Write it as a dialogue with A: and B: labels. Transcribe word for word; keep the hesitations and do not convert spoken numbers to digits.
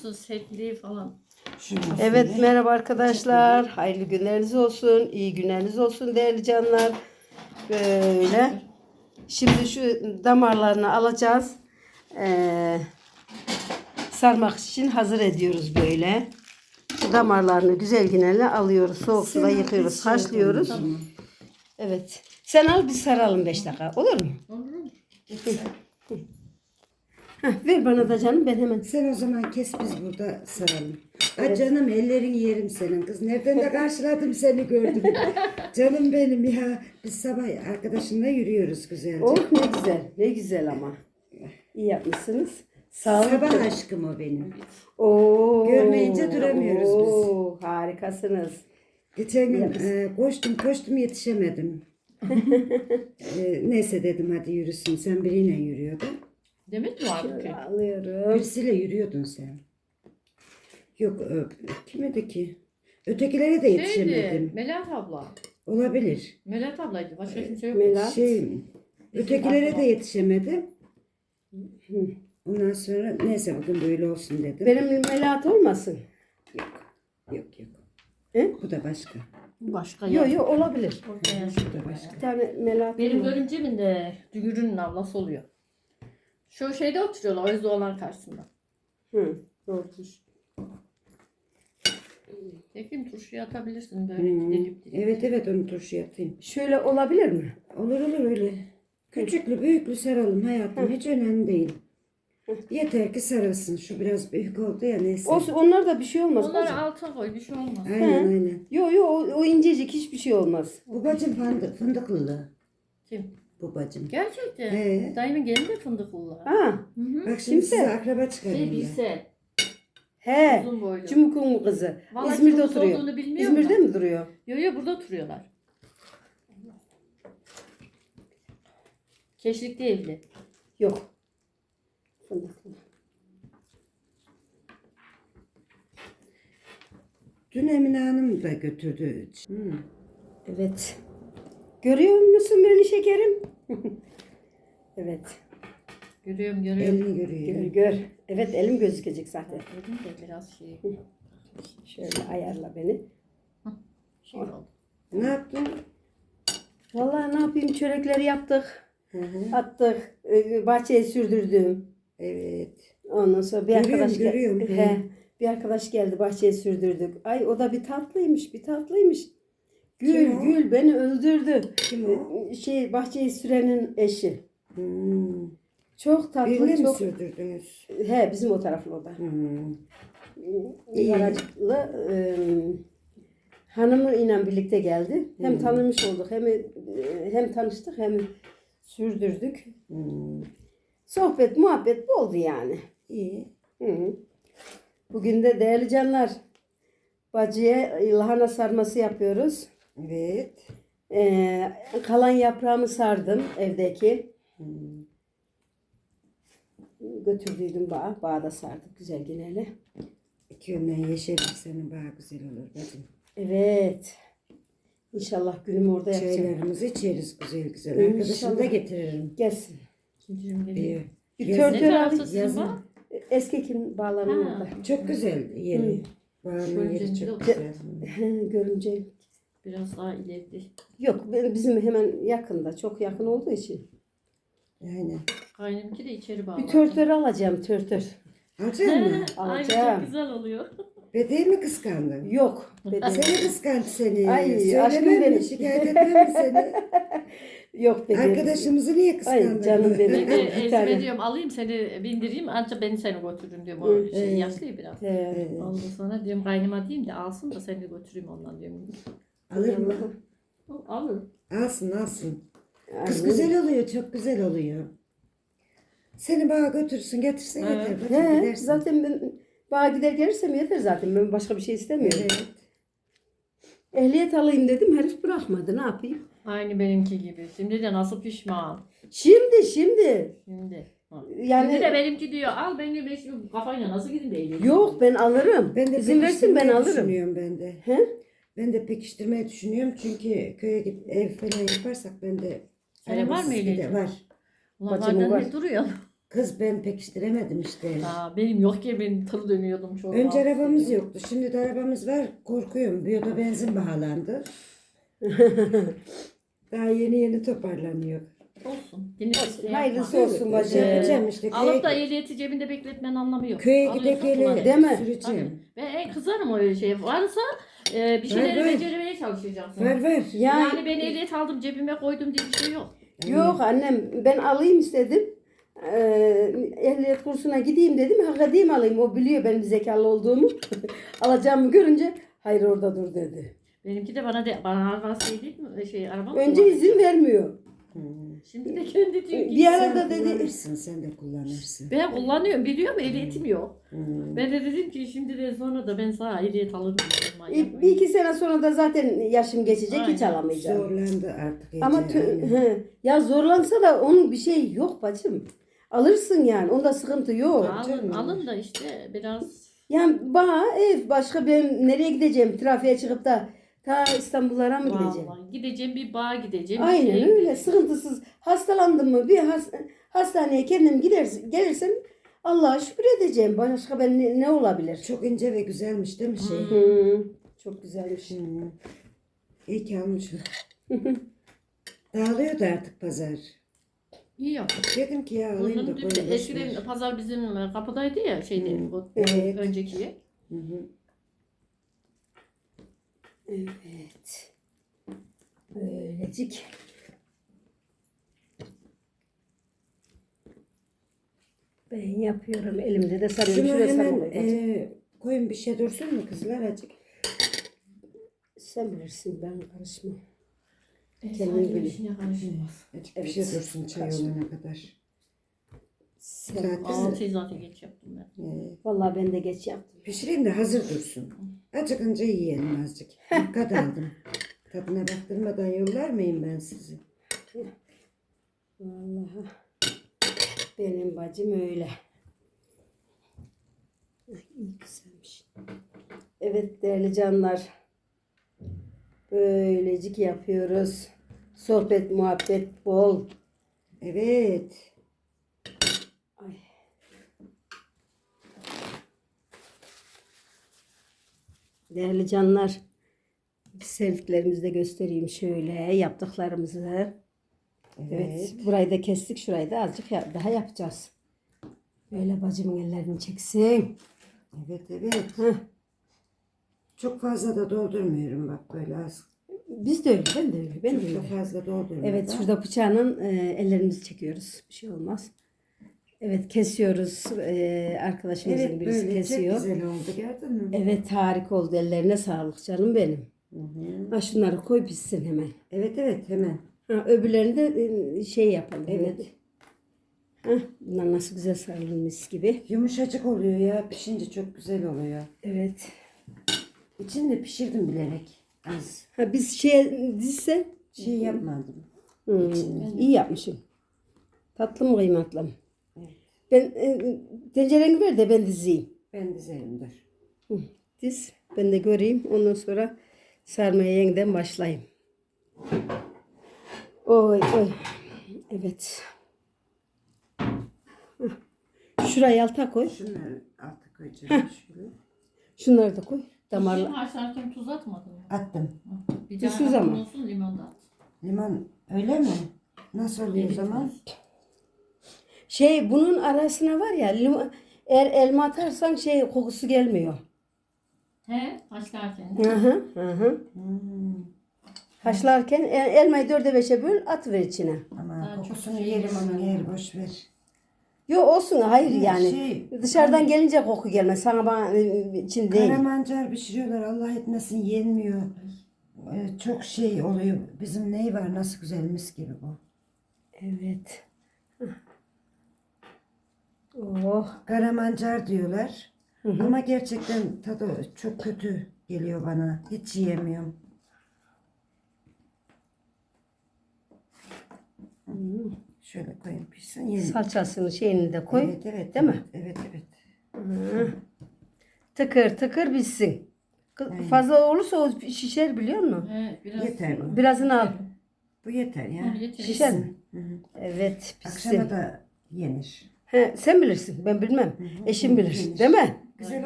A: olsun, setli falan.
B: Evet, merhaba arkadaşlar. Hayırlı günleriniz olsun. İyi günleriniz olsun değerli canlar. Böyle. Şimdi şu damarlarını alacağız. Ee, sarmak için hazır ediyoruz böyle. Şu damarlarını güzel güneyle alıyoruz. Soğuk suda yıkıyoruz, haşlıyoruz. Evet. Sen al, biz saralım beş dakika. Olur mu?
A: Olur mu?
B: Heh, ver bana da canım, ben hemen.
C: Sen o zaman kes, biz burada saralım. Ay canım, ellerin yerim senin kız. Nereden de karşıladım seni, gördüm. Canım benim ya. Biz sabah arkadaşımla yürüyoruz güzelce.
B: Oh ne güzel. Ne güzel ama. İyi yapmışsınız. Sağ olun.
C: Sabah aşkım o benim.
B: Oo,
C: Görmeyince duramıyoruz biz.
B: oo, harikasınız.
C: Geçen gün e, koştum koştum yetişemedim. e, neyse dedim, hadi yürüsün. Sen biriyle yürüyordun.
A: Demet mi vardı ki?
B: Şöyle alıyorum.
C: Birisiyle yürüyordun sen. Yok, e, kime ki? Ötekilere de yetişemedim.
A: Şeydi, Melahat abla.
C: Olabilir.
A: Melahat ablaydı. Başka kimse yok.
B: Melahat.
C: Şey, ötekilere de yetişemedim. Ondan sonra neyse bugün böyle olsun dedim.
B: Benim Melahat olmasın.
C: Yok, yok, yok.
B: He?
C: Bu da başka.
A: Başka
B: Yok
A: yok.
B: yok, olabilir.
A: Ortaya
C: Bu da başka.
B: Bir tane Melahat.
A: Benim
B: var.
A: görümcemin de Dügür'ün ablası oluyor. Şu şeyde oturuyorlar, Özde olan karşısında.
B: Hı, doğrudur.
A: Tekim turşuya atabilirsin böyle
C: Hmm.
A: dilip dilip.
C: Evet evet, onu turşu atayım.
B: Şöyle olabilir mi?
C: Olur olur öyle. Küçüklü büyüklü saralım hayatım, hiç önemli değil. Yeter ki sarılsın. Şu biraz büyük oldu ya, neyse.
B: Olsun, onlar da bir şey olmaz.
A: Onları
B: bacım.
A: alta koy, bir şey olmaz.
C: Aynen
B: He.
C: aynen.
B: Yok yok, o, o incecik, hiçbir şey olmaz.
C: Bu bacım fındık, fındıklı.
A: Kim?
C: Bu bacım.
A: Gerçekten.
C: He.
A: Dayımın gelin de fındıklılar.
B: Ha,
A: Hı hı.
C: Bak şimdi
B: Kimse?
C: size akraba
A: Şey
C: çıkarayım ya.
A: bilse.
B: he.
A: Uzun boylu.
B: Cumhur'un mu kızı?
A: Vallahi
B: İzmir'de
A: Cumhur'un
B: oturuyor.
A: olduğunu bilmiyorum
B: İzmir'de
A: da.
B: mi duruyor?
A: Yo yo, burada oturuyorlar. Keşlik'te evli.
B: Yok. Fındıklı.
C: Dün Emine Hanım da götürdü. Hmm.
B: Evet. Görüyor musun beni şekerim? Evet.
A: Görüyorum görüyorum.
C: Elini
B: Gör
C: görüyor.
B: gör. Evet, elim gözükecek zaten.
A: Dedim de biraz şey,
B: Şöyle ayarla beni.
A: şey oldu.
C: Ne yaptın?
B: Vallahi ne yapayım, çörekleri yaptık.
C: Hı hı.
B: Attık. e, Bahçeye sürdürdüm.
C: Evet.
B: Ondan sonra bir
C: Görüyorum,
B: arkadaş gel-
C: görüyorum.
B: He, bir arkadaş geldi, bahçeye sürdürdük. Ay o da bir tatlıymış, bir tatlıymış. Gül
C: Kim o?
B: gül beni öldürdü.
C: Kim o?
B: E, Şey, bahçeyi sürenin eşi.
C: Hmm.
B: Çok tatlı,
C: Birine mi
B: çok.
C: sürdürdünüz?
B: He, bizim o taraflı o da.
C: Hmm. İyi.
B: Yaracıklı e, hanımıyla birlikte geldi. Hem
C: Hmm.
B: tanımış olduk, hem e, hem tanıştık, hem sürdürdük.
C: Hmm.
B: Sohbet, muhabbet oldu yani.
C: İyi.
B: Hı. Bugün de değerli canlar, bacıya lahana sarması yapıyoruz.
C: Evet.
B: Ee, kalan yaprağımı sardım evdeki.
C: Hmm.
B: Götürdüydüm bağa. Bağa da sardık güzel yine.
C: İki yönden yeşerir, senin daha güzel olur bacım.
B: Evet. İnşallah günümü orada yapacağım.
C: Çaylarımızı içeriz güzel güzel.
B: İnşallah.
C: Arkadaşımı da getiririm.
B: Gelsin.
A: İkincim geliyor.
C: İyi.
B: Bir
C: Yazın-
B: tör
A: Ne
B: tör
A: tarafta
B: alayım.
A: sizin
C: yazın.
A: bağ?
B: Eski kim bağlarının
A: Ha.
B: orada.
C: Çok güzel yeri. Bağının
A: Şöyle
C: yeri
A: zinciri
C: çok
A: olsun.
C: güzel.
B: Görünce.
A: Biraz daha ileride.
B: Yok, bizim hemen yakında. Çok yakın olduğu için.
C: Aynen.
A: Kaynımki de içeri bağlı.
B: Bir tör tör alacağım, tör tör.
C: Alacak mısın?
A: Ay
B: Alacağım.
A: çok güzel oluyor.
C: Bedeyi mi kıskandın?
B: Yok. bedeli.
C: Seni kıskandı seni.
B: Ay, aşkım
C: Söylemem mi?
B: benim.
C: Şikayet etmem mi seni?
B: Yok bedeli.
C: Arkadaşımızı niye kıskandın?
B: Ay, canım benim.
A: Bir de
B: Bir tane.
A: Ezme diyorum alayım seni bindireyim ancak beni seni götürürüm diyorum. O
B: Hı.
A: şey
C: Evet.
A: yaşlı ya biraz.
B: He.
C: Evet.
A: Ondan sonra diyorum kaynıma diyeyim de alsın da seni de götüreyim ondan diyorum.
C: Alır mı?
A: O alır.
C: Alsın alsın. Kız
B: Aynen.
C: güzel oluyor, çok güzel oluyor. Seni bana götürsün, getirsin
A: Evet.
C: yeter. Bacım,
B: He,
C: gidersin.
B: zaten ben bağa gider gelirsem yeter zaten. Ben başka bir şey istemiyorum.
C: Evet.
B: Ehliyet alayım dedim, herif bırakmadı. Ne yapayım?
A: Aynı benimki gibi. Şimdi de nasıl pişman.
B: Şimdi şimdi.
A: Şimdi. Ha.
B: Yani
A: Şimdi de benimki diyor al ben de ben şimdi kafayla nasıl gideyim de eğleneyim.
B: yok, ben alırım.
C: Ben de
B: İzin versin, ben
C: pekiştirmeyi
B: alırım.
C: düşünüyorum ben de.
B: He?
C: Ben de pekiştirmeyi düşünüyorum çünkü köye gidip ev falan yaparsak ben de
A: Senin var mı
C: arabasız
A: ehliyetin?
C: gider- Var.
A: Ulan
B: Bacımın
A: benden
B: var.
A: ne duruyor?
C: Kız ben pekiştiremedim işte.
A: Aa, benim yok ki benim tır dönüyordum çok.
C: Önce
A: rahatsız
C: arabamız
A: ediyor.
C: yoktu. Şimdi de arabamız var. Korkuyorum. Biyoda benzin pahalandı. Daha yeni yeni toparlanıyor.
A: Olsun. Yine bir şey
B: Hayırlısı
A: yapma.
B: olsun
C: Ee,
B: bacım.
C: yapacağım işte.
A: Alıp da
C: Köye,
A: ehliyeti cebinde bekletmenin anlamı yok.
C: köye
A: Alıyorsun,
C: gide gele
A: kullanıyorsun.
B: Değil mi?
C: süreceğim.
A: Ben en kızarım öyle şey. Varsa e, bir şeyleri
C: Var, var.
A: beceremeye çalışacaksın.
C: Var var.
B: Ya,
A: Yani ben ehliyet aldım cebime koydum diye bir şey yok.
B: yok annem ben alayım istedim. Ee, ehliyet kursuna gideyim dedim. Hak edeyim alayım. O biliyor benim zekalı olduğumu. Alacağımı görünce hayır orada dur dedi.
A: Benimki de bana de bana araba şey değil mi? Şey araba mı
B: Önce
A: kullanıyor?
B: izin vermiyor.
C: Hmm.
A: Şimdi de kendi diyor ki.
B: Bir
C: Sen
B: arada dedi
C: kullanırsın. Sen de kullanırsın.
A: Ben kullanıyorum biliyorum ehliyetim yok.
C: Hmm.
A: Ben de dedim ki şimdi de sonra da ben sana ehliyet alırım. dedim, manyak
B: bir
A: mıyım?
B: iki sene sonra da zaten yaşım geçecek hiç
A: Aynen.
B: alamayacağım.
C: Zorlandı artık. Ece,
B: Ama tü-
C: aynen.
B: he, ya zorlansa da onun bir şey yok bacım. Alırsın yani. Onda sıkıntı yok.
A: Alın,
C: canım.
A: alın da işte biraz
B: Yani bana ev başka ben nereye gideceğim? Trafiğe çıkıp da ta İstanbullara mı gideceğim?
A: vallahi gideceğim bir bağa gideceğim. bir
B: Aynen
A: şeye
B: öyle.
A: gideceğim.
B: Sıkıntısız. Hastalandım mı bir has- hastaneye kendim gidersin, gelirsem Allah'a şükür edeceğim. Başka ben ne, ne olabilir?
C: Çok ince ve güzelmiş değil mi şey?
B: Hı, çok güzelmiş.
C: Hmm. İyi ki almışım. Dağılıyordu artık pazar.
A: İyi yaptın.
C: Dedim ki ya alayım da
A: Bunun
C: koyayım.
A: dün
C: boş ver.
A: eskiden pazar bizim kapıdaydı ya şeyde
C: Hmm.
A: o
C: Evet.
A: önceki.
C: Hı hı.
B: Evet. Böylecik. Ben yapıyorum. Elimde de sarıyorum.
C: Şunu
B: Şuraya
C: hemen
B: sarıyorum.
C: e, koyun bir şey dursun mu kızlar acık?
B: Sen bilirsin ben karışmam.
A: E,
B: Kendin
A: sanki
B: bilin.
A: işine karışmaz.
C: Acık bir
B: Evet.
C: şey dursun çay
B: Kaçma.
C: olana kadar.
B: Sen,
C: Zaten
A: Altıyı zaten geç yaptım ben.
C: e,
B: vallahi ben de geç yaptım.
C: pişireyim de hazır dursun. Acıkınca yiyelim azıcık. Dikkat aldım. Tadına baktırmadan yollar mıyım ben sizi?
B: Vallahi benim bacım öyle. Ay, iyi güzelmiş. Evet değerli canlar. Böylecik yapıyoruz. Sohbet, muhabbet bol.
C: Evet.
B: Ay. Değerli canlar. Sevdiklerimizi de göstereyim şöyle yaptıklarımızı.
C: Evet.
B: Evet, burayı da kestik. Şurayı da azıcık ya- daha yapacağız. Böyle bacımın ellerini çeksin.
C: Evet evet.
B: Heh.
C: Çok fazla da doldurmuyorum bak böyle az.
B: Biz de öyle, ben de öyle, ben
C: Çok
B: de
C: da
B: öyle.
C: fazla doldurmuyorum.
B: Evet, şurada bıçağının e, ellerimizi çekiyoruz. Bir şey olmaz. Evet, kesiyoruz. E, arkadaşımızın
C: Evet
B: birisi
C: böyle
B: kesiyor.
C: çok güzel oldu gördün mü?
B: Evet, harika oldu. Ellerine sağlık canım benim.
C: Hı hı.
B: Ha, şunları koy pişsin hemen.
C: Evet evet hemen.
B: Ha, öbürlerini de e, şey yapalım.
C: Evet.
B: Ha, bunlar nasıl güzel sarılmış gibi.
C: Yumuşacık oluyor ya pişince çok güzel oluyor.
B: Evet.
C: İçini de pişirdim bilerek az.
B: Ha, biz şey dizse
C: Şey yapmadım.
B: Hmm, iyi yapmışım. Tatlı mı kıymetli mi?
C: Evet.
B: Ben e, tencereni ver de ben dizeyim.
C: Ben dizerim dur.
B: Hı, diz. Ben de göreyim. Ondan sonra sarmaya yeniden başlayayım. Oy oy. Evet. Hah. Şurayı alta koy.
C: Şunları alta koyacağım şöyle.
B: Şunları da koy.
A: Şimdi
B: Damarla.
A: haşlarken tuz atmadın mı?
C: Attım.
A: Bir
B: Tuzsuz
A: tane
B: ama.
A: olsun limon da at.
C: Limon öyle mi? Nasıl oluyor o zaman?
B: Şey bunun arasına var ya limon, eğer elma atarsan şey kokusu gelmiyor.
A: He haşlarken.
B: Hı hı hı. hı.
C: Hmm.
B: Haşlarken el- elmayı dörde beşe böl at ver içine.
C: Ama
A: Ben çok
C: kokusunu
A: şey
C: yerim onun
A: yemiyorum.
C: yer boş ver.
B: Yo olsun hayır
C: Evet,
B: yani.
C: şey,
B: Dışarıdan gelince koku gelmez. Sana bana e, için değil.
C: Karamancar pişiriyorlar Allah etmesin yenmiyor. Ee, çok şey oluyor. Bizim ney var nasıl güzel mis gibi bu.
B: Evet. Oh.
C: Karamancar diyorlar. Ama gerçekten tadı çok kötü geliyor bana. Hiç yiyemiyorum. Şöyle koyayım pişsin. Yiyin.
B: Salçasını şeyini de koy.
C: Evet evet.
B: Değil mi?
C: Evet evet.
B: Hı. Tıkır tıkır bitsin. Kı-
C: Aynen.
B: Fazla olursa o şişer biliyor musun?
A: He, biraz
C: Yeter bu.
B: Birazını al.
C: Bu yeter ya.
A: Ha, yeter.
B: Şişer mi?
C: Hı hı.
B: Evet
C: Akşama
B: bitsin.
C: da yenir.
B: He, sen bilirsin ben bilmem. Eşim bilir değil mi?
C: Güzel